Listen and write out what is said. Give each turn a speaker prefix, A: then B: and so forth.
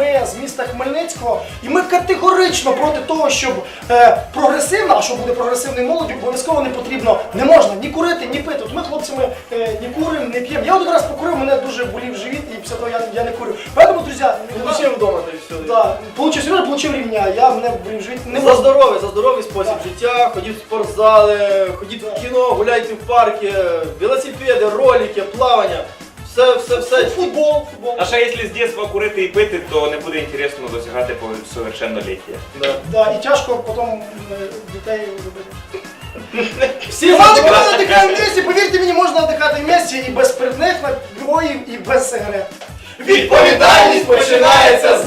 A: ми з міста Хмельницького, і ми категорично проти того, щоб прогресивна, а що буде прогресивною молоддю, обов'язково не потрібно, не можна ні курити, ні пити. От ми хлопцями не куримо, не п'ємо. Я один раз покурив, мене дуже болів живіт, і після того я не курю. Поэтому, друзі,
B: Получив вдома, та й все.
A: да, Сережа получив рівня, я мене болів живіт. Не
B: За здоровий спосіб життя, ходіть в спортзали, ходіть в кіно, гуляйте в парки, велосипеди, ролики, плавання. Все. Футбол.
C: А ще якщо з дитинства курити і пити, то не буде інтересно досягати совершенноліття.
A: Да, і тяжко потім дітей робити. Всі знають, коли надихаємо в місті, повірте мені, можна надихати в місті і без спиртних напоїв, і без сигарет.
B: Відповідальність починається з